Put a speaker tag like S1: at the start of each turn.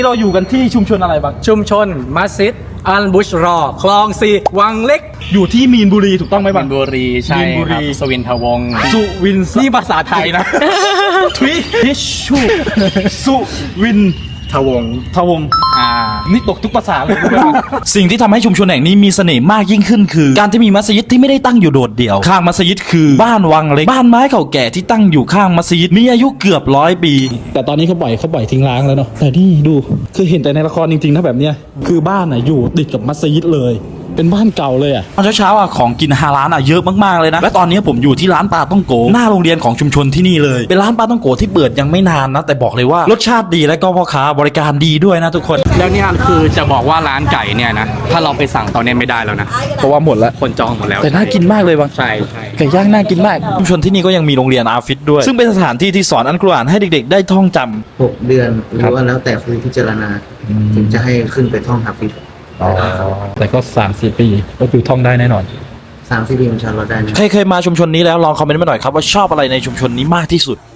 S1: เราอยู่กันที่ชุมชนอะไรบ้าง
S2: ชุมชนมัสยิดอัลบุชรอคลองสี่วังเล็ก
S1: อยู่ที่มีนบุรีถูกต้องไหม
S2: มี
S1: บ้าง
S2: นบุรีใช่
S1: มีนบุ
S2: ค
S1: รี
S2: รับสวินทวงศ์
S1: สุวิน
S2: นี่ภาษาไทยนะ
S1: ทวิทิชชูสุวิน
S2: ทวงศ์
S1: ทวงศ์ นี่ตกทุกภาษาเลย
S3: สิ่งที่ทำให้ชุมชนแห่งนี้มีเสน่ห์มากยิ่งขึ้นคือ การที่มีมัสยิดที่ไม่ได้ตั้งอยู่โดดเดี่ยวข้างมัสยิดคือบ้านวังเล็กบ้านไม้เก่าแก่ที่ตั้งอยู่ข้างมัสยิดมีอายุเกือบ100 ปี
S1: แต่ตอนนี้เขาปล่อยทิ้งร้างแล้วเนาะแต่นี่ดูคือเห็นแต่ในละครจริงๆถ้าแบบเนี้ยคือบ้านอยู่ติดกับมัสยิดเลยเป็นบ้านเก่าเลยอ่ะ
S3: ตอนเช้าๆของกินฮาลาลเยอะมากๆเลยนะและตอนนี้ผมอยู่ที่ร้านปลาต้องโกหน้าโรงเรียนของชุมชนที่นี่เลยเป็นร้านปลาต้องโกที่เปิดยังไม่นานนะแต่บอกเลยว่ารสชาติดีและก็พ่อค้าบริการดีด้วยนะทุกคน
S2: แล้วเนี่ยคือจะบอกว่าร้านไก่เนี่ยนะถ้าเราไปสั่งตอนนี้ไม่ได้แล้วนะ
S1: เพราะว่าหมดแล้ว
S2: คนจองหมดแล้ว
S1: แต่น่ากินมากเลยบาง
S2: ใช่ใช่
S1: ไก่ย่างน่ากินมาก
S3: ชุมชนที่นี่ก็ยังมีโรงเรียนอาฟิศด้วยซึ่งเป็นสถานที่ที่สอนอัลกุรอานให้เด็กๆได้ท่องจำ
S4: 6 เดือนหรือว่าแล้วแต่ครูพิจารณาถึงจะให้ขึ้นไปท่องฮาฟิซ
S1: แต่ก็3-4 ปีก็คือท่องได้แน่นอน
S4: 3 4 ปีอินชาอัลลอฮ์ได้นะ
S3: ใครเคยมาชุมชนนี้แล้วลองคอมเมนต์มาหน่อยครับว่าชอบอะไรในชุมชนนี้มากที่สุด